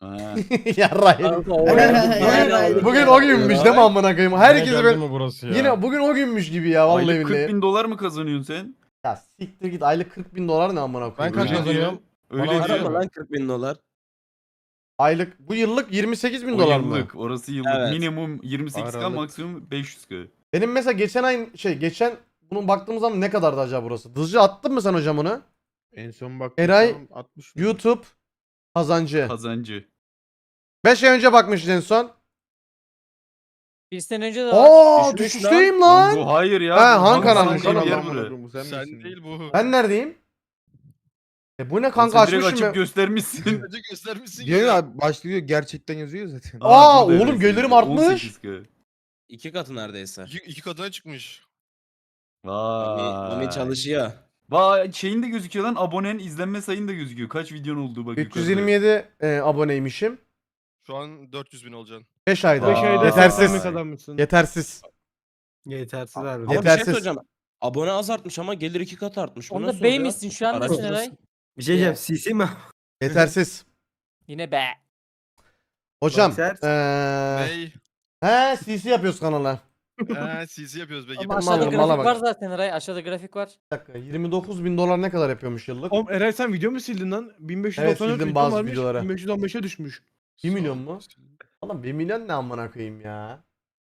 Ha. Yarrayım. Kanka o ya. Bugün o günmüş değil mi amına koyayım? Herkes Yine böyle geldi mi burası ya? yine bugün o günmüş gibi ya vallahi Aylık 40 billahi. bin dolar mı kazanıyorsun sen? Ya siktir git aylık 40 bin dolar ne amına Ben koyayım. kaç ya? kazanıyorum? Öyle Bana diyor. arama Lan 40.000 dolar. Aylık bu yıllık 28 bin O dolar mı? yıllık. Orası yıllık. Evet. Minimum 28k, Aralık. maksimum 500k. Benim mesela geçen ay geçen bunun baktığımız zaman ne kadardı acaba burası? Dızcı attın mı sen hocam onu? En son bak. Eray, 60 YouTube kazancı. Kazancı. 5 ay önce bakmışız en son. Bir sene önce de var. Aa Düşmüş düşüşteyim Lan lan. bu hayır ya. Ha, Bu Han Han kanalı, San'ın kanal bir yer lan burası. Sen, Sen misin? değil bu. Ben neredeyim? Bu ne kanka Sen direkt açmışım açıp ya. göstermişsin. Önce göstermişsin Diyor ya. ya başlıyor gerçekten yazıyor zaten. Aa, burada oğlum evet. gelirim artmış. 18k. 2 katı neredeyse. İki katına çıkmış. Mami çalışıyor. Vay şeyin de gözüküyor lan, abonen izlenme sayın da gözüküyor. Kaç videon olduğu bak yukarıda. 327 aboneymişim. Şu an 400 bin olacaksın. 5 ayda. Beş ayda Yetersiz. 80 adammışsın. Yetersiz. Yetersiz Ama abi. bir şey Yetersiz. söyleyeceğim. Abone az artmış ama gelir 2 kat artmış. Bu Onda nasıl bey oluyor? misin şu an nesin Araştırırsın. Eray? Bir şey diyeceğim. CC mi? Yetersiz. Yine be. Hocam. Bakser. Ney? He CC yapıyoruz kanala. CC yapıyoruz be gibi. Ama aşağıda Malım, grafik mala bak. var zaten Eray. Aşağıda grafik var. Bir dakika 29 bin dolar ne kadar yapıyormuş yıllık? Oğlum Eray sen video mu sildin lan? 1594 Evet, sildim videom bazı varmış, videoları. 1515'e düşmüş. 1 milyon mu? Oğlum 1 milyon ne amına koyayım ya?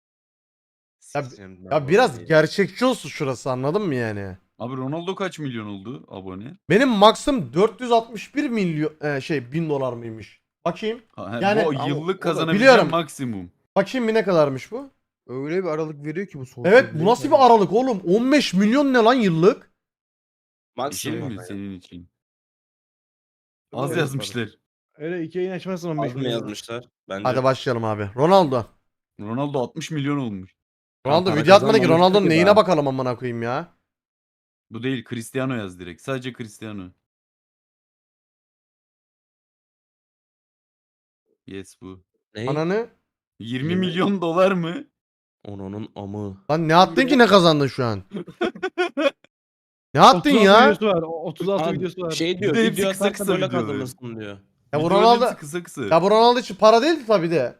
Ya biraz gerçekçi olsun şurası anladın mı yani? Abi Ronaldo kaç milyon oldu abone? Benim maksim 461 milyon bin dolar mıymış? Bakayım. Yani Yani- bu Ama yıllık o da- kazanabileceğim biliyorum. maksimum. Bakayım bir ne kadarmış bu? Öyle bir aralık veriyor ki bu soğuk. Evet bu nasıl bir aralık oğlum? 15 milyon ne lan yıllık? Bir şey Maksimum. mi senin için? Az Evet, yazmışlar. Öyle 2 ayın açmazsın 15 Az mı milyon. yazmışlar? Bence. Hadi başlayalım abi. Ronaldo. Ronaldo 60 milyon olmuş. Ronaldo para video atmadı ki kazanmamıştır Ronaldo'nun ki neyine daha. bakalım amına koyayım ya. Bu değil, Cristiano yaz direkt. Sadece Cristiano. Yes bu. Ne? Ananı. 20 Yirmi. milyon dolar mı? Onun amı. Lan ne attın ki ne kazandın şu an? Ne attın 36 ya? videosu var. 36 Abi, videosu var. Şey diyor, Bir de hepsi video kısa atarsa kısa böyle videolar. kazanırsın diyor. Ya bu Videoların Ronaldo hepsi kısa kısa. ya bu Ronaldo için para değildi tabi de.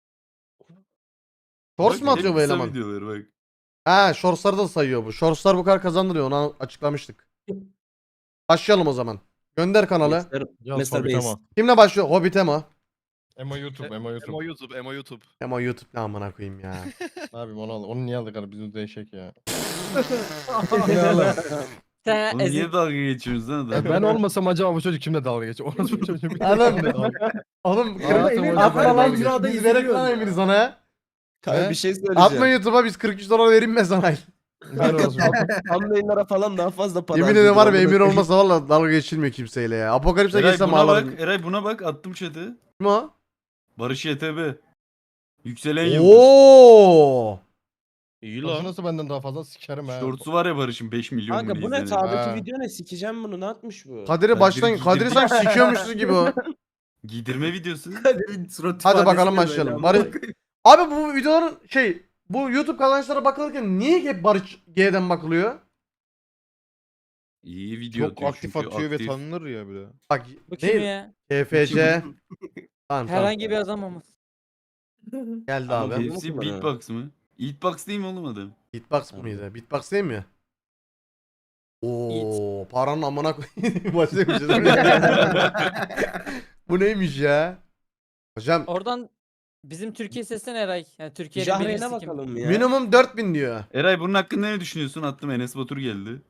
Shorts Bak, mu atıyor hep bu kısa eleman? videolar bak. Ha, shortsları da sayıyor bu. Shortslar bu kadar kazandırıyor. Onu açıklamıştık. Başlayalım o zaman. Gönder kanalı. Mesela Yaz Hobbit Base. ama. Kimle başlıyor? Hobbit'e mi? Emo YouTube, Emo YouTube. Emo YouTube, Emo YouTube. Ama YouTube ne amına koyayım ya. Abi onu al. Onu niye aldık abi? Bizim değişik ya. Sen Oğlum ezik. niye dalga geçiyorsunuz lan adam? Ben olmasam acaba bu çocuk kimle dalga geçiyor? Orası bu çocuk. Oğlum. Oğlum Hayatım atma boyunca lan. dalga geçiyor. Biz verek lan emir sana. Kanka He? bir şey söyleyeceğim. Atma YouTube'a biz 43 dolar vereyim mi sana? Ben olsun. Thumbnail'lara falan daha fazla para Yemin ederim var ya harcıyordur. emir olmasa valla dalga geçilmiyor kimseyle ya. Apokalipse Eray geçsem buna ağlarım. bak. Eray buna bak. Attım chat'e. Kim o? Barış YTB. Yükselen yıldız. Oo. İyi Nasıl lan. nasıl benden daha fazla sikerim ha. Shorts'u var ya Barış'ın 5 milyon mu Kanka bu ne izleniyor. sağdaki Ha. video ne? Sikeceğim bunu, ne atmış bu? Kadir'i baştan Kadir'i sanki sikiyormuşuz gibi o. Giydirme videosu. Hadi bakalım başlayalım. Barış... Abi bu videoların bu YouTube kazançlara bakılırken niye hep Barış G'den bakılıyor? İyi video Çok atıyor aktif çünkü, atıyor aktif. ve tanınır ya bir de. Bak Bu kim ne? ya? KFC. Tamam Herhangi bir adam ama. Geldi Ama abi. bu- Hepsi Nasıl beatbox mı? Beatbox değil mi oğlum adam? Beatbox mıydı? Beatbox değil mi? Oo, paranın amına koyayım. Başlamışız. Bu neymiş ya? Hocam Oradan bizim Türkiye seslen Eray. Yani Türkiye'nin Jahreyn'e birincisi kim? bakalım ya. minimum 4000 diyor. Eray bunun hakkında ne düşünüyorsun? Attım, Enes Batur geldi.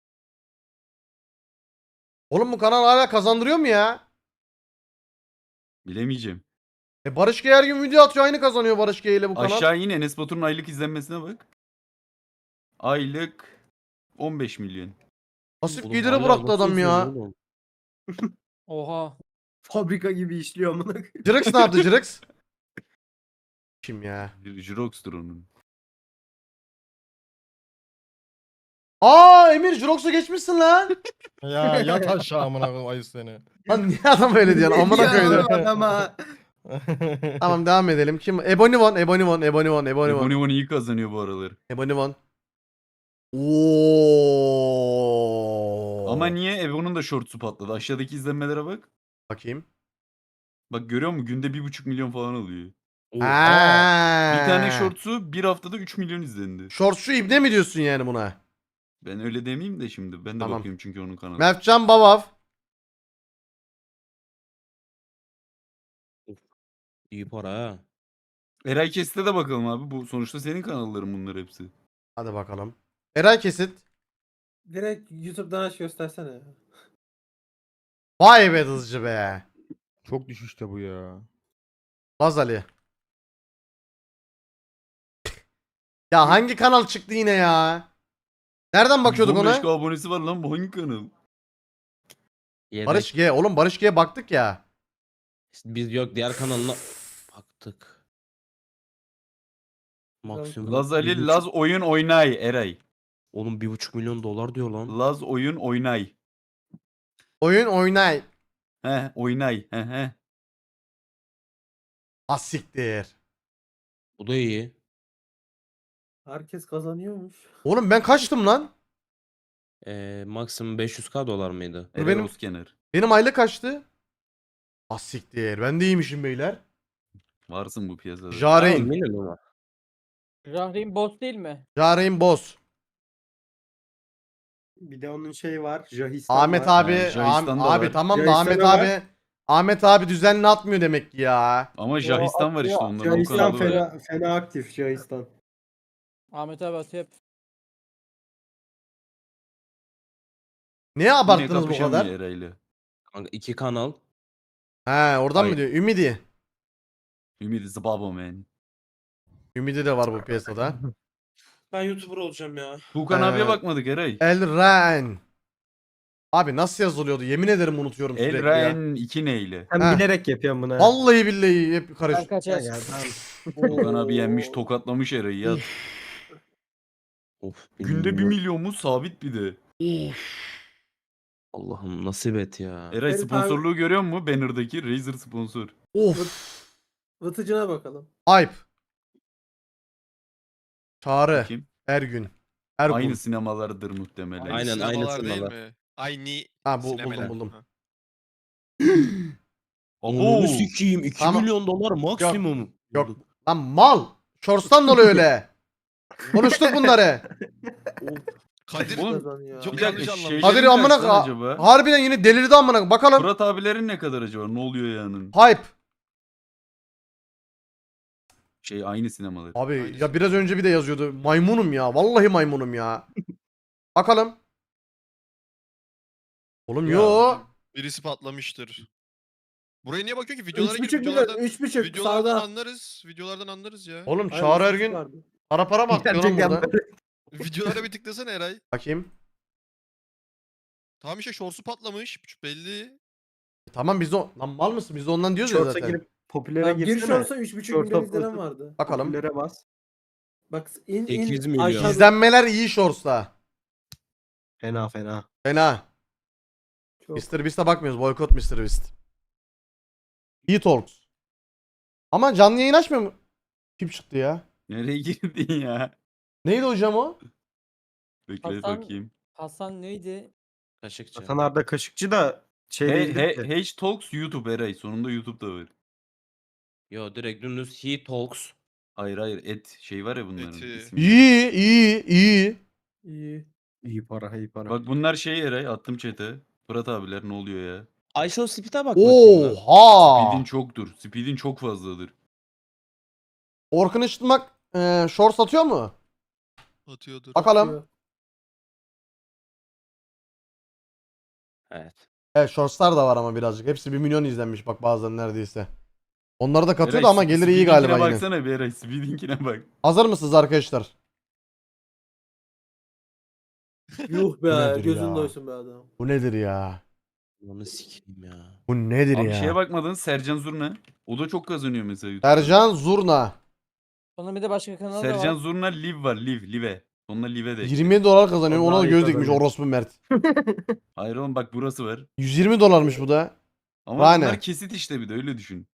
Oğlum bu kanal hala kazandırıyor mu ya? Bilemeyeceğim. Barış G her gün video atıyor aynı kazanıyor Barış G ile bu kanal. Aşağı in, Enes Batur'un aylık izlenmesine bak. Aylık 15 milyon. Pasif Oğlum geliri hala bıraktı nasıl adam ya. izleniyor oğlum? Oha. Fabrika gibi işliyor amına. Jirax ne yaptı Jirax? Kim ya? Jirox'tur onun. Aa Emir Jirox'a geçmişsin lan. Ya yat aşağı amına koyayım ayı seni. Lan niye adam öyle diyorsun? Amına koydum. adama. Tamam devam edelim. Kim? Ebonivon. Ebony iyi kazanıyor bu aralar. Ebonivon. Oo. Ama niye? Ebony'nin da shorts'u patladı. Aşağıdaki izlenmelere bak. Bakayım. Bak görüyor musun? Günde 1,5 milyon falan alıyor. Oha. Bir tane shorts'u bir haftada 3 milyon izlendi. Shorts'u ibne mi diyorsun yani buna? Ben öyle demeyeyim de şimdi. Ben de Tamam. bakıyorum çünkü onun kanalı. Mertcan Bavav. İyi para ha. Eray Kesit'e de bakalım abi. Bu sonuçta senin kanalların bunlar hepsi. Hadi bakalım. Eray Kesit. Direkt YouTube'dan aç göstersene ya. Vay be hızcı be. Çok düşüşte bu ya. Laz Ali. Ya hangi kanal çıktı yine ya? Nereden bakıyorduk 115K ona? abonesi var lan, bu hangi kanal? Yedek. Barış G. Oğlum Barış G'ye baktık ya. Biz yok diğer kanalına baktık. Maksimum. Laz Ali, 1,5 Laz oyun oynay Eray. Oğlum 1,5 milyon dolar diyor lan. Laz oyun oynay. Oyun oynay. Oynay. He. Asiktir. Bu da iyi. Herkes kazanıyormuş. Oğlum ben kaçtım lan? Maksimum 500k dolar mıydı? Dur Eray benim- Özkener. Benim aylık kaçtı? Asiktir. Ben de iyiymişim beyler. Varsın bu piyasada. Jareyn. Minimum ama. Rahreyn boss değil mi? Jareyn Boz. Bir de onun şeyi var. Jahistan Ahmet var. abi. Jahistan da Abi var. tamam da Jahistan Ahmet da var. abi. Ahmet abi düzenli atmıyor demek ki ya. Ama Jahistan var işte onların o Jahistan kanalı var. fena aktif Jahistan. Ahmet abi atıyor hep. Niye Yine abarttınız bu kapışamıyor kadar? Eray'la. Kanka 2 kanal. He oradan mı Hayır. diyor? Ümidi. Ümit is the baba man. Ümidi de var bu piyasada. Ben YouTuber olacağım ya. Tuğkan abiye Ee, bakmadık Eray. Elren. Abi nasıl yazılıyordu? Yemin ederim unutuyorum sürekli ya. Elren 2 neyle? Sen Heh. bilerek yapıyorsun bunu. Vallahi billahi hep Ben karıştı. kaçar. Ya, tamam. Tuğkan abi yenmiş, tokatlamış Eray'ı ya. Of. Günde 1 milyon. milyon mu? Sabit bir de. Allah'ım nasip et ya. Eray Evet abi. sponsorluğu görüyor musun? Banner'daki Razer sponsor. Of. Vıtıcına bakalım. Ayıp. Çağrı. Kim? Ergün. Ergun. Aynı sinemalardır muhtemelen. Aynen, aynı Sinemalar değil sinemalar. mi? Aynı Ha sinemeler. buldum. Ha. Abo! Onu sikeyim 2 Tamam. milyon dolar maksimum. Yok. Lan mal. Shorts'tan dolayı öyle. Konuştuk bunları. Kadir Oğlum, Kazanıyor. çok Bir yanlış dakika anlamış. şeylerin Kadir amına kaç lan acaba? harbiden yine delirdi amına. Bakalım. Fırat abilerin ne kadar acaba? Ne oluyor yani? Hype. Şey aynı sinemalar. Abi Aynısı. ya biraz önce bir de yazıyordu. Maymunum ya. Vallahi maymunum ya. Bakalım. Oğlum Ya. yo. Birisi patlamıştır. Buraya niye bakıyor ki? Videolara 3,5 girip milyon. videolardan, 3,5 videolardan sağda. anlarız. Videolardan anlarız ya. Oğlum Hayır, Çağrı 3,5 Ergün vardı. para mı atıyor lan Gerçekten burada? böyle. Videolara bir tıklasana Eray. Bakayım. Tamam işte shorts'u patlamış. Belli. Tamam biz de lan mal mısın? Biz de ondan diyoruz ya Shorts'a zaten. girip popülere Lan bir girsene. shorts'a 3,5 milyon Shorts'a izlenen basıp- vardı. Bakalım. Popülere bas. Bak in 8 in milyon. aşağı İzlenmeler iyi shorts'ta. Fena fena. Fena. Çok. Mr. Beast'e bakmıyoruz. Boykot Mr. Beast. İyi Talks. Ama canlı yayın açmıyor mu? Kim çıktı ya? Nereye girdin ya? Neydi hocam o? Bekle Hasan- bakayım. Hasan neydi? Kaşıkçı. Hasan Arda Kaşıkçı da şey değildir ki. H Talks YouTube Eray. Sonunda YouTube'da var. Yo direkt dümdüz He Talks. Hayır et şey var ya bunların. Eti. ismi. İyi, iyi, iyi. İyi. İyi para iyi para. Bak bunlar şey Eray, attım chat'e. Fırat abiler ne oluyor ya? Ayşe Speed'e bak bakayım lan. Oha! Speed'in çoktur. Speed'in çok fazladır. Orkun Işıtmak shorts atıyor mu? Atıyordur. Bakalım. Evet. Evet shortslar da var ama birazcık. Hepsi 1 milyon izlenmiş bak bazen neredeyse. Onları da katıyor Eray, da ama geliri iyi Speed'inkine galiba yine. baksana bir Eray. Speed'inkine bak. Hazır mısınız arkadaşlar? Yuh Bu nedir be gözün ya? doysun be adam. Bu nedir ya? Onu sikeyim ya. Bu nedir Abi ya? şeye bakmadın, Sercan Zurna. O da çok kazanıyor mesela YouTube'da. Sercan Zurna. Onun bir de başka kanalı da Sercan var. Zurna Live var. Live. Sonuna Live de. 20 dolar kazanıyor. O Ona daha da iyi göz dikmiş kazanıyor. orospu Mert. Hayır oğlum bak burası var. 120 dolarmış bu da. Ama Daha ne? bunlar kesit işte bir de öyle düşün.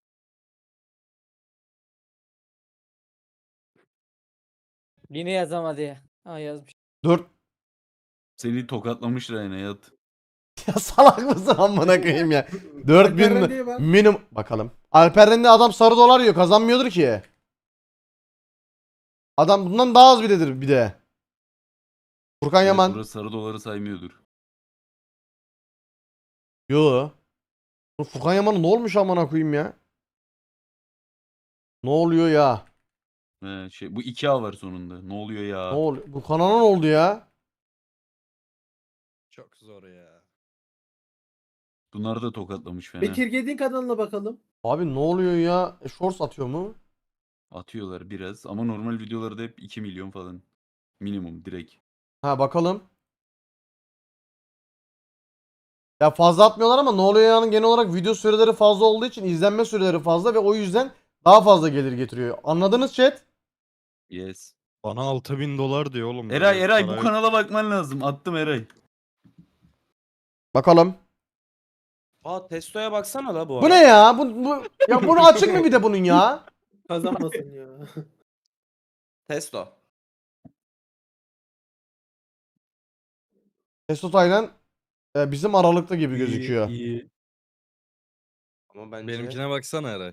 Yine yazamadı ya. Ha yazmış. 4 Seni tokatlamışlar yine yat. Ya salak mısın amına koyayım ya. 4000 Alperen'e bak. minimum bakalım. Alperen de adam sarı dolar yiyor, kazanmıyordur ki. Adam bundan daha az biledir bir de. Furkan Evet, Yaman. burası sarı doları saymıyordur. Yo. Bu Furkan Yaman'a ne olmuş amına koyayım ya? Ne oluyor ya? Bu 2A var sonunda. Ne oluyor Ne ya? oluyor? Bu kanala ne oldu ya? Çok zor ya. Bunları da tokatlamış fena. Bekir Gedin kanalına bakalım. Abi ne oluyor ya? Shorts atıyor mu? Atıyorlar biraz ama normal videolarda hep 2 milyon falan. Minimum direkt. Ha bakalım. Ya fazla atmıyorlar ama ne oluyor yani genel olarak video süreleri fazla olduğu için izlenme süreleri fazla ve o yüzden daha fazla gelir getiriyor. Anladınız chat? Yes. Bana 6000 dolar diyor oğlum. Eray böyle Eray para bu yok. kanala bakman lazım. Attım Eray. Bakalım. Aa testoya baksana la bu Bu arada. ne ya? Bu ya bunu açık mı bir de bunun ya? Kazanmasın ya. Testo. Mesut Aynen bizim aralıkta gibi İyi, gözüküyor. iyi. Ama bence Benimkine baksana Eray.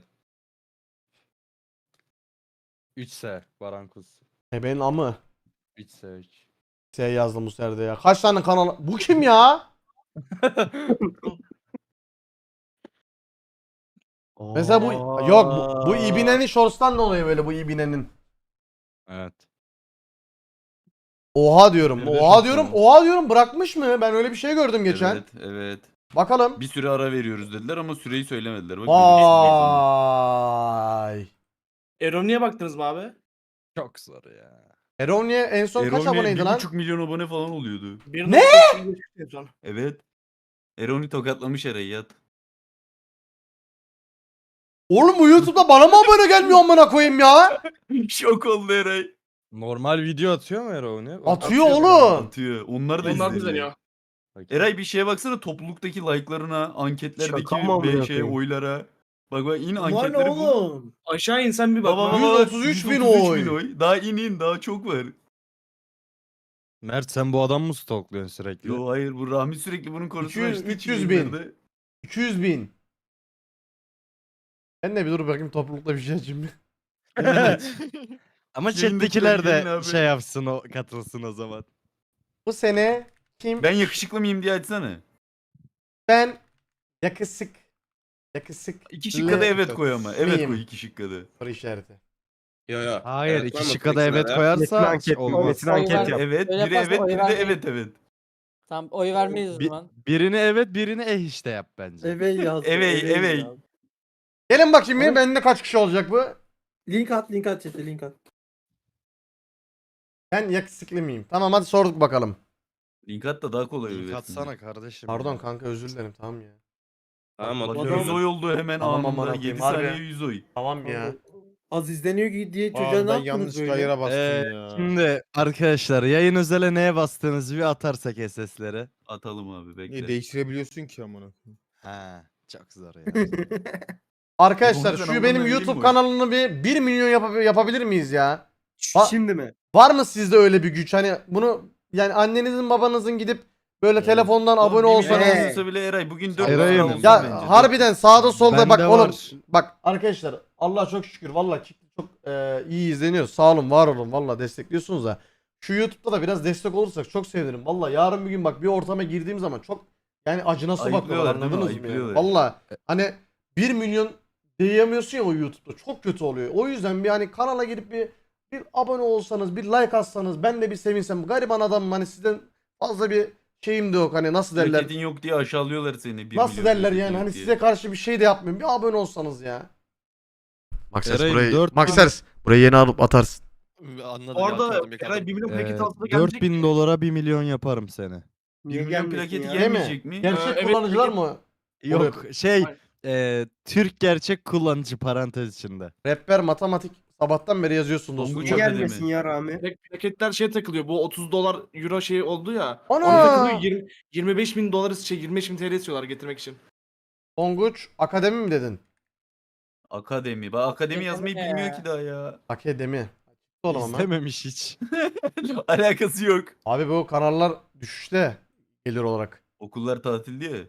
3S Barankus. Benim amı. 3S 3. Şey yazdım bu serde ya. Kaç tane kanal? Bu kim ya? Mesela bu yok bu İbine'nin shorts'tan ne oluyor böyle bu İbine'nin? Evet. Oha diyorum. Evet, Oha diyorum. tamam. Oha diyorum bırakmış mı? Ben öyle bir şey gördüm geçen. Evet, evet. Bakalım. Bir süre ara veriyoruz dediler ama süreyi söylemediler. Bak, belirsiz bir zaman. Vay. Eroni'ye baktınız mı abi? Çok zor ya. Eronia en son kaç Eroni aboneydi lan? 1,5 milyon abone falan oluyordu. Ne? Evet. Eroni tokatlamış Eray'ı yat. Oğlum bu YouTube'da bana mı abone gelmiyor amına koyayım ya? Şok oldu Eray. Normal video atıyor mu Eray? Atıyor oğlum. Atıyor. Onlar da Onlar da izleniyor. izleniyor. Eray bir şeye baksana, topluluktaki like'larına, anketlerdeki Şaka mı amına şeye, koyayım? oylara. Bak in Var ne anketleri bul. oğlum? Aşağı insen bir bak. Baba bak. baba 133 bin oy. Daha in daha çok var. Mert sen bu adamı mı stalkluyorsun sürekli? Yo hayır, bu Rahmi sürekli bunun konusunu 200 açtığı için 300 bin. yayınlarda- 200 bin. Ben de bir dur bakayım toplulukta bir şey açayım. Ama Yayındakiler chat'tekiler gelin de abi. şey yapsın o katılsın o zaman. Bu sene kim? Ben yakışıklı mıyım diye açsana. Ben yakışık. Yakışık. İki şıkkada evet koy ama. Evet Miyim? koy iki şıkkada. Soru işareti. Yo yo. Hayır Evet, var iki mı şıkka da evet seçimlere? koyarsa Metin anket, olmaz. Metin Oy anket ver- yap. Evet, Öyle biri yaparsan evet, oy biri de vermeyin. evet evet. Tamam oy vermeyiz o Bi- zaman. birini evet birini işte yap bence. Evey yazdı. Evey, Evey evey. yazdı. Gelin bakayım Oy. benim bende kaç kişi olacak bu? Link at chat'e link at. Ben yakışıklı mıyım? Tamam hadi sorduk bakalım. Link at da daha kolay Link öğretsin. atsana kardeşim. Pardon ya. kanka özür dilerim tamam ya. Tamam Bak atıyorum. 100 oy oldu hemen Tamam, anında. aman 7 koyayım, harbi. saniye 100 oy. Tamam ya. Pardon. Az izleniyor diye çocuğa Aa, ne ben yaptınız yanlış böyle? ayıra bastım ya. Şimdi arkadaşlar yayın özele neye bastığınızı bir atarsak SS'lere. Atalım abi bekle. Değiştirebiliyorsun ki amına koyayım. Ha, çok zor ya. Arkadaşlar Yapabilirsen şu Allah'ım benim ben YouTube vereyim mi? kanalını bir 1 milyon yapabilir miyiz ya? Ba- Şimdi mi? Var mı sizde öyle bir güç? Hani bunu yani annenizin babanızın gidip böyle telefondan Oğlum, abone bir milyon olsanız. olsa bile Eray bugün 4 Eray'ım. olsun Ya bence. harbiden sağda solda bak Bende oğlum. var. Bak arkadaşlar Allah'a çok şükür valla çok iyi izleniyoruz. Sağ olun var olun valla destekliyorsunuz da. Şu YouTube'da da biraz destek olursak çok sevinirim. Valla yarın bir gün bak bir ortama girdiğim zaman çok yani acınası bakıyorlar Ayıplıyorlar değil mi? anladınız mı? Yani? Ayıplıyorlar. Valla hani 1 milyon diyemiyorsun ya o YouTube'da çok kötü oluyor. O yüzden bir hani kanala girip bir abone olsanız bir like atsanız ben de bir sevinsem. Gariban adamım hani sizden fazla bir şeyim de yok hani nasıl derler. Plaketin yok diye aşağılıyorlar seni. 1 Nasıl milyon derler plaketin yani yok hani diye. size karşı bir şey de yapmıyorum. Bir abone olsanız ya. Maxers Eray'ım, burayı 4000 Maxers burayı yeni alıp atarsın. Anladım. Orada Eray 1 milyon paket altında gelecek. 4000 dolara 1 milyon yaparım seni. 1 milyon gelmesin plaketi ya? gelmeyecek mi? Gerçek evet, kullanıcılar peki. mı? Yok şey Hayır. Türk gerçek kullanıcı parantez içinde. Rehber matematik sabahtan beri yazıyorsun dostum. Tonguç Çok- abi. Gelmesin ya Rami. Paketler şey takılıyor. Bu 30 dolar euro şey oldu ya. Ana! Ona takılıyor 25 bin dolar 25 bin TL istiyorlar getirmek için. Tonguç akademi mi dedin? Akademi. Bak akademi yazmayı Akademi bilmiyor ya. ki daha ya. Akademi. Oğlum ama. İstememiş hiç. Alakası yok. Abi bu kanallar düşüşte gelir olarak. Okullar tatil diye.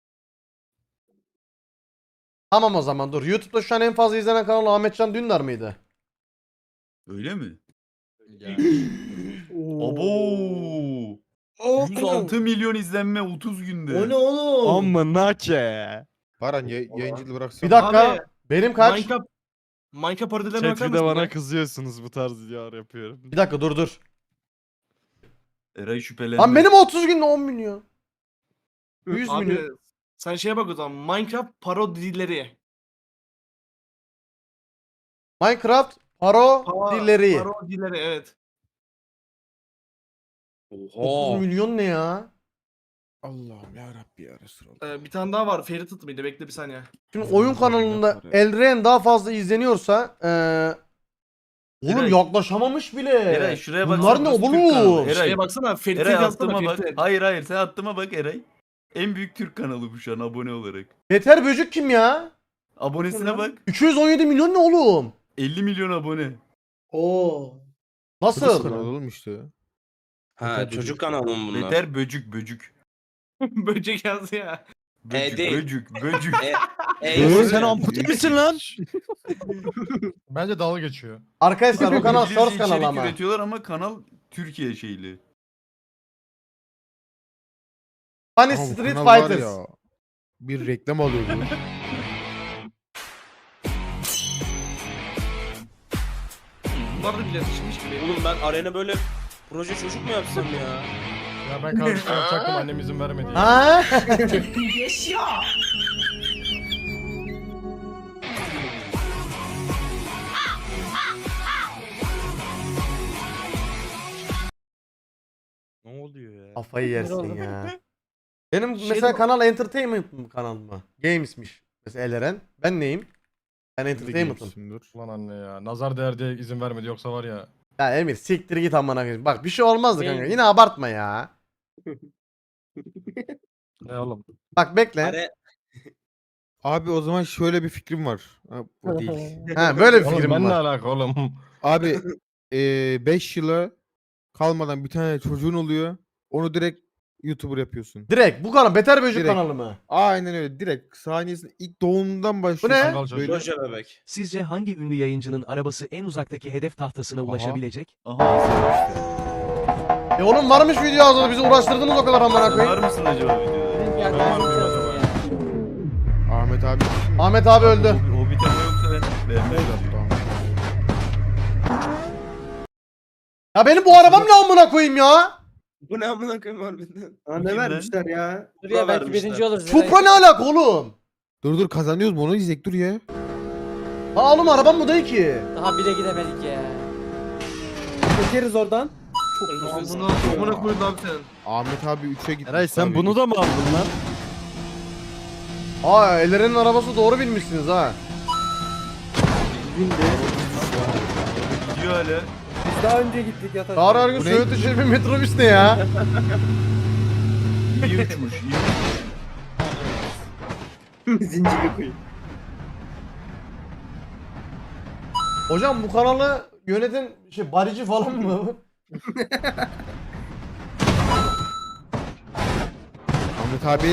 Tamam o zaman dur. YouTube'da şu an en fazla izlenen kanal Ahmetcan Dündar mıydı? Öyle mi? Oo. Abo! 106 milyon izlenme 30 günde. O ne oğlum? Amına ke. Baran yayıncılığı bıraksana. Bir dakika. Abi, Benim kaç? Minecraft parodilerine Chat bakar bir de mısın? bana ya? kızıyorsunuz bu tarz videolar yapıyorum. Bir dakika dur. Eray şüphelendi. Lan benim 30 günde 10 milyon. 100 Abi, milyon. sen şeye bak o zaman. Minecraft parodileri. Minecraft parodileri. Parodileri evet. 30 Oha. milyon ne ya? Allah'ım ya Rabbi ya Resulallah. Bir tane daha var. Ferit mıydı? Bekle bir saniye. Şimdi oyun kanalında Elren daha fazla izleniyorsa oğlum Eray. yaklaşamamış bile. Eray şuraya bak. Bunlar ne oğlum? Eray, Şeye baksana. Ferit'e Eray yazsana attıma bak. Ferit'e. Hayır sen attıma bak Eray. En büyük Türk kanalı bu şu an abone olarak. Beter Böcük kim ya? Abonesine bak. 217 milyon ne oğlum? 50 milyon abone. Oo. Kız Nasıl? kanalı oğlum işte. Ha çocuk kanalı mı bunlar? Beter böcük. Böcek yazdı ya. değil. Böcük. Oğlum sen ampute misin lan? Bence dalga geçiyor. Arkadaşlar o kanal İngilizce Source kanalı içerik ama. üretiyorlar ama kanal Türkiye şeyli. Funny Ama bu Street kanal var Fighters. ya, bir reklam alıyor bu. Bunlar da bile yetişmiş gibi. Oğlum ben arena böyle proje çocuk mu yapsam ya? Ya ben kardeşim yapacaktım annem izin vermedi. ya. Ha? Ne oluyor ya? Kafayı yersin oldum. ya. Benim Şey mesela de- kanal Entertainment mı kanal mı? Games'miş. Mesela Eleren. Ben neyim? Ben Entertainment'ım. Entertainment'ım. Ulan anne ya. Nazar değer diye izin vermedi yoksa var ya. Ya Emir siktir git amına koyayım. Bak bir şey olmazdı kanka. Benim- Yine abartma ya. Ne oğlum? Bak bekle. Are Abi o zaman şöyle bir fikrim var. Ha, bu değil. Ha böyle bir Oğlum fikrim ben ne var. alaka oğlum? Abi 5 yıla kalmadan bir tane çocuğun oluyor. Onu direkt YouTuber yapıyorsun. Direkt bu kanal Beter Böcük Direkt. kanalı mı? Aynen öyle. Direkt saniyesinde ilk doğumundan başlıyorsun. ne? Kangal çocuğu. Böyle proje bebek. Sizce hangi ünlü yayıncının arabası en uzaktaki hedef tahtasına ulaşabilecek? Aha işte. Oğlum varmış video hazırda bizi uğraştırdınız o kadar amına koyayım. Var mısın acaba videoda? Benim Ben geldiğim var mıyım yazıyor acaba? ya. Ahmet abi. Ahmet abi öldü. O bir tema yoksa ben beğenmem. Ya benim bu arabam ne amına koyayım ya? Bu ne amına koyayım harbiden? Ha, Kim ne lan? vermişler ya? Dur ya belki vermişler. birinci oluruz. Supra ne alaka oğlum? Dur kazanıyoruz mu onu izleyek dur ya. Ha oğlum arabam bu değil ki. Daha bire gidemedik ya. Çekeriz oradan. Amına koydu abi senin. Ahmet abi 3'e gitti. Eray sen bunu da mı aldın lan? Aa Elren'in arabası doğru bilmişsiniz ha. Gidiyor hala. Biz daha önce gittik yatak. Çağrı her gün Bu ne? Söğüt bir metrobüs ne ya? İyi uçmuş. Zinciri koyun. Hocam bu kanalı yöneten barici falan mı? Ahmet abi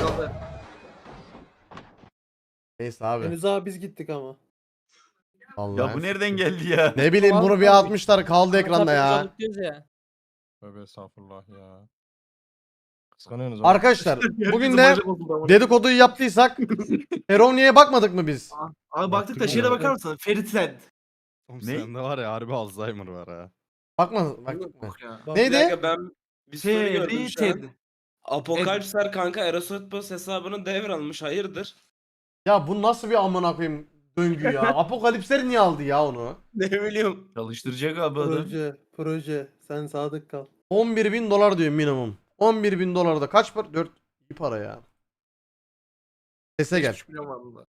Neyse abi. Henüz abi biz gittik ama. Allah. Ya bu nereden geldi ya? Ne bileyim bunu bir atmışlar kaldı ekranda ya. ya. Tövbe estağfurullah ya. Kıskanıyorsunuz oğlum. Arkadaşlar bugün de Herkesin başı bozuldu ama. dedikoduyu yaptıysak Eroni'ye bakmadık mı biz? Abi baktık da şeye de bakar mısın? Ferit'ten. Oğlum Ne? sende var ya harbi Alzheimer var ha. Bakmadık mı? Yok ya. Bir Neydi? dakika ben bir soru gördüm şu an. Ferit. Apokalipsler kanka Erasmus hesabını devralmış hayırdır? Ya bu nasıl bir amına koyayım döngü ya? Apokalipsler niye aldı ya onu? Ne bileyim. Çalıştıracak abi adam. Proje. Sen sadık kal. 11.000 dolar diyor minimum. 11.000 dolar da kaç para? 4 iyi para ya. Sese gel. 3 milyon var bunda.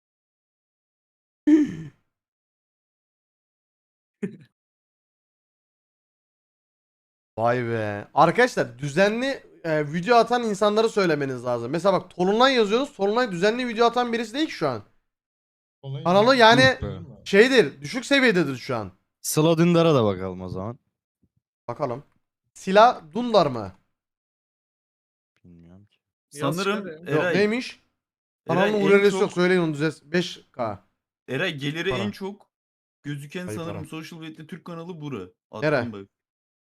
Vay be. Arkadaşlar düzenli video atan insanları söylemeniz lazım. Mesela bak Tolunay yazıyorsunuz. Tolunay düzenli video atan birisi değil ki şu an. Kanalı yani Yok be. şeydir, düşük seviyededir şu an. Sıla Dündar'a da bakalım o zaman. Bakalım. Silah Dundar mı? Bilmiyorum ki. Sanırım şöyle. Yok Eray, neymiş? Eray Kanalın en URL'si çok- yok söyleyin onu düzelt. 5K. Eray geliri Para. en çok gözüken Ayıp sanırım para. Social Blade'de Türk kanalı bura. Nere? Attım bak.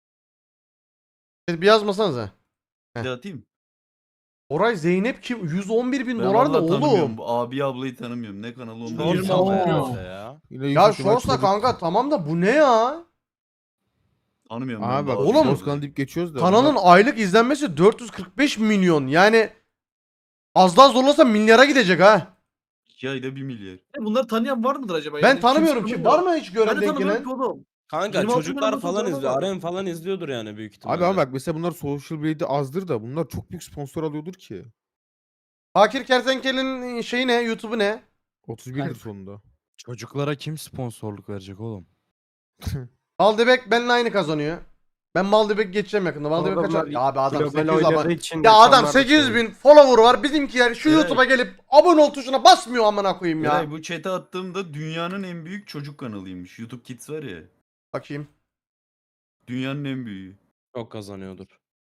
Bir yazmasanıza. Bir de atayım. Oray Zeynep kim? 111 bin Ben dolar da vallahi tanımıyorum. oğlum. Bu abi ablayı tanımıyorum. Ne kanalı onu da Shorts bilmiyorum. ama Aa. herhalde ya. Yine Ya yüksek ihtimal Shorts'la çocuk- kanka tamam da bu ne ya? Tanımıyorum ben Abi bu bak abi oğlum, Shorts ablayı. kanalı deyip geçiyoruz da. Kanalın aylık izlenmesi 445 milyon. Yani az daha zorlasa milyara gidecek ha. 2 ayda 1 milyar. Bunları tanıyan var mıdır acaba? Ben Yani tanımıyorum kimse ki. tanımıyor. Var mı hiç Ben gören de denk tanımıyorum gelen? ki oğlum. Kanka 26 çocuklar milyon falan fotoğrafı izliyor. var. Arem falan izliyordur yani büyük ihtimalle. Abi ama bak mesela bunlar Social Blade'de azdır da bunlar çok büyük sponsor alıyordur ki. Fakir Kertenkele'nin şeyi ne? YouTube'u ne? 31'dir sonunda. Çocuklara kim sponsorluk verecek oğlum? Maldebek benimle aynı kazanıyor. Ben Maldebek geçeceğim yakında. Maldebek kaç? Adamlar Ya abi adam global 800 abone. oynadığı için Ya adam rakamlar da 800 şey. bin follower var. Bizimkiler şu Evet. YouTube'a gelip abone ol tuşuna basmıyor amına koyayım ya. Eray bu chat'e attığımda dünyanın en büyük çocuk kanalıymış. YouTube Kids var ya. Bakayım. Dünyanın en büyüğü. Çok kazanıyordur.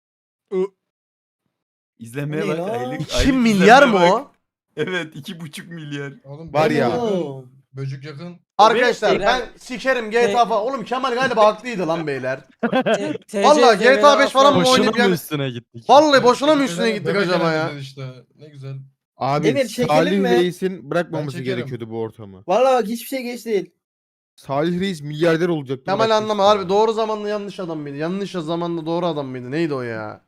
İzlenmeye Ne bak ya? aylık. 2 aylık milyar mı izlenmeye o? bak. Evet 2,5 milyar. Var ya. Oğlum. Böcük yakın. Arkadaşlar Eray- ben sikerim GTA falan. Oğlum Kemal galiba haklıydı lan beyler. TC Vallahi GTA 5 falan mı Boşuna oynayıp mı yani? üstüne gittik? Vallahi boşuna mı üstüne gittik acaba ya? İşte. Ne güzel. Abi Emir, çekelim Salih mi? Reis'in bırakmaması çekerim. gerekiyordu bu ortamı. Valla bak hiçbir şey geç değil. Salih Reis milyarder olacaktı. Kemal bırakmıştı anlama ya. harbi doğru zamanlı yanlış adam mıydı? Yanlış zamanlı doğru adam mıydı? Neydi o ya?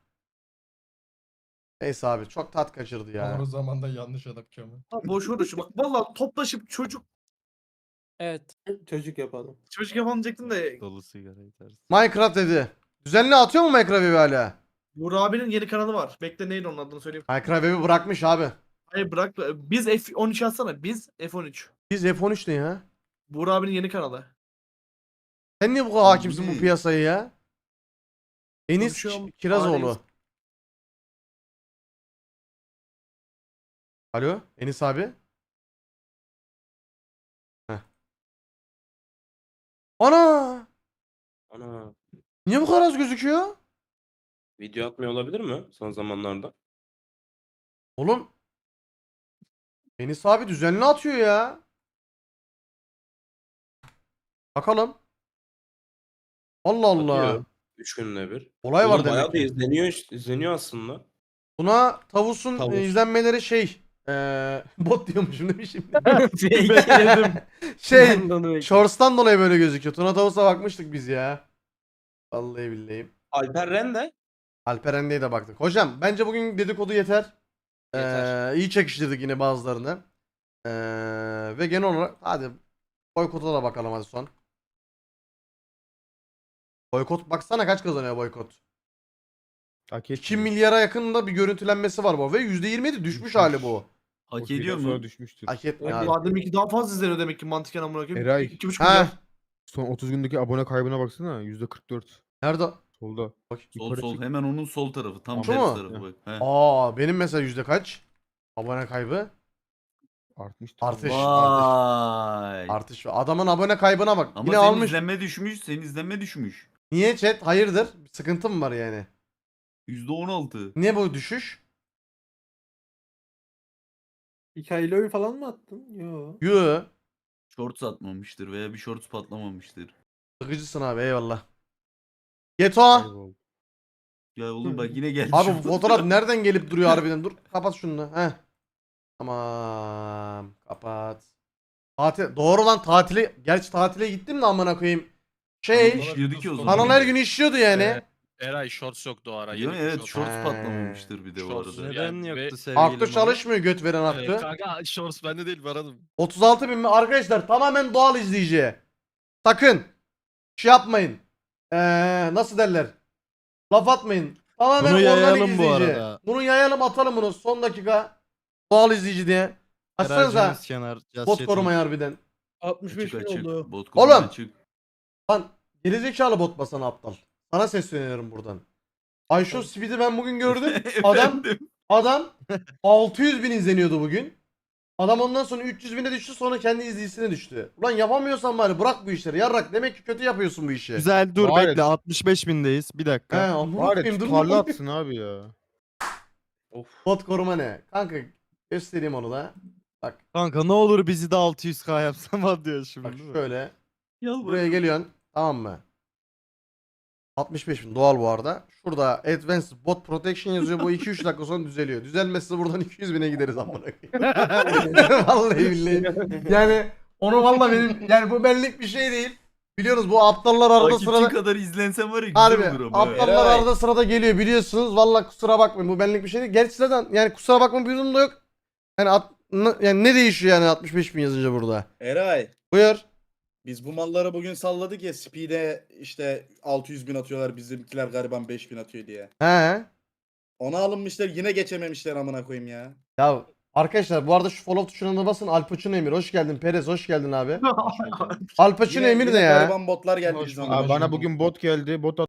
Neyse abi çok tat kaçırdı ya. Doğru zamanda yanlış adam Kemal. Boş uğraşı. Bak valla toplaşıp çocuk Evet. Çocuk yapalım. yapalım diyecektim de Dolu sigara içersin. Minecraft dedi. Düzenli atıyor mu Minecraft evi hala? Buğra abinin yeni kanalı var. Bekle neydi onun adını söyleyeyim. Minecraft evi bırakmış abi. Hayır bırak. Biz F13 atsana. Biz F13. Biz F13 ne ya? Buğra abinin yeni kanalı. Sen niye bu kadar hakimsin bu ne? piyasaya ya? Enis Konuşuyorum, Kirazoğlu. aileyiz. Alo Enis abi. Heh. Ana! Ana. Niye bu kadar az gözüküyor? Video atmıyor olabilir mi son zamanlarda? Oğlum. Enis abi düzenli atıyor ya. Bakalım. Allah Allah. Atıyor. 3 günde bir. Olay var Oğlum demek bayağı da ki. izleniyor aslında. Buna Tavus'un Tavus. izlenmeleri şey. Bot diyormuşum değil mi şimdi? Bekledim. Şey. Ben de onu bekledim. Shorts'tan dolayı böyle gözüküyor. Tuna Tavus'a bakmıştık biz ya. Vallahi billahi. Alper Ren de. Alperen'de de baktık. Hocam bence bugün dedikodu yeter. Yeter. İyi çekiştirdik yine bazılarını. Ve genel olarak hadi boykota da bakalım hadi son. Boykot baksana kaç kazanıyor boykot. Hak 2 etmiyor. milyara yakında bir görüntülenmesi var bu ve %27 düşmüş hali bu. Hak O şeyden ediyor sonra mu? düşmüştür. Hak etmiyor Yani abi. bu demek ki daha fazla izleniyor demek ki mantıken amına koyayım. Eray. 2,5 Ha, milyon. Son 30 gündeki abone kaybına baksana %44. nerede? Solda. Bak. Sol Yukarı sol çık. hemen onun sol tarafı. Tam Şu ters mu? tarafı bak. He. Aa benim mesela yüzde kaç? Abone kaybı. Artmıştır. Artış. Vay. Artış. Adamın abone kaybına bak. Ama Yine senin almış. izlenme düşmüş. Senin izlenme düşmüş. Niye chat? Hayırdır? Bir sıkıntı mı var yani? %16. Niye bu düşüş? Hikayeli oyun falan mı attın? Yo. Yoo. Shorts atmamıştır veya bir shorts patlamamıştır. Sıkıcısın abi eyvallah. Geto. Kayboldu. Ya oğlum bak yine geldi. Abi şu bu fotoğraf nereden gelip duruyor harbiden? Dur kapat şunu da. Heh. Tamam. Kapat. Tatil. Doğru lan tatile. Gerçi tatile gittim de amına koyayım. Şey. İşliyordu ki o zaman. Kanal her gün işliyordu yani. Eray shorts yoktu o ara. Değil mi? Evet shorts He. patlamamıştır bir de bu Shorts arada. ne? Neden Yani yoktu ve- sevgili Aktü Mami? çalışmıyor göt veren aktü. Kanka shorts bende değil aradım. 36 bin mi? Arkadaşlar tamamen doğal izleyici. Sakın. Şey yapmayın. Nasıl derler? Laf atmayın. Tamamen Bunu organik yayalım bu izleyici. arada. Bunu yayalım atalım bunu son dakika. Doğal izleyici diye. Açsanıza. Eracımız kenar. Just Bot chatting. korumayı harbiden. 65 Açık bin açık. oldu. Bot Oğlum! konusu açık. Lan gerizekalı bot basana aptal. Sana sesleniyorum buradan. Ayşo Speed'i ben bugün gördüm. Adam Efendim? adam 600 bin izleniyordu bugün. Adam ondan sonra 300 bine düştü sonra kendi izleyicisine düştü. Ulan yapamıyorsan bari bırak bu işleri. Yarrak demek ki kötü yapıyorsun bu işi. Güzel dur Var ya- bekle 65 bindeyiz. Bir He dakika. amına Var ya koyayım dur tutarlı lan. atsın abi ya. Of. Bot koruma ne? Kanka göstereyim onu da. Kanka ne olur bizi de 600k yapsam var diyor şimdi. Bak değil mi? şöyle. Buraya geliyorsun. Tamam mı? 65.000 doğal bu arada. Şurada Advanced Bot Protection yazıyor. Bu 2-3 dakika sonra düzeliyor. Düzelmezse buradan 200.000'e gideriz amına koyayım. Vallahi billahi. Yani onu vallahi benim yani bu benlik bir şey değil. Biliyorsunuz bu aptallar arada Takipçin sırada kadar izlensem var ya güzel harbi olur ama. evet. aptallar arada sırada geliyor biliyorsunuz. Vallahi kusura bakmayın bu benlik bir şey değil. Gerçi zaten yani kusura bakma bir durum da yok. Yani yani ne değişiyor yani 65.000 yazınca burada? Eray, Buyur. biz bu malları bugün salladık ya Speed'e işte 600.000 atıyorlar bizimkiler gariban 5.000 atıyor diye. He. Ona alınmışlar yine geçememişler amına koyayım ya. Ya arkadaşlar bu arada şu follow tuşuna da basın. Al Pacino Emir hoş geldin. Perez hoş geldin abi. Al Pacino Emir ne ya? Gariban botlar geldi Hoş bizim bulduk. amına Abi bana koyayım. bugün bot geldi. Bot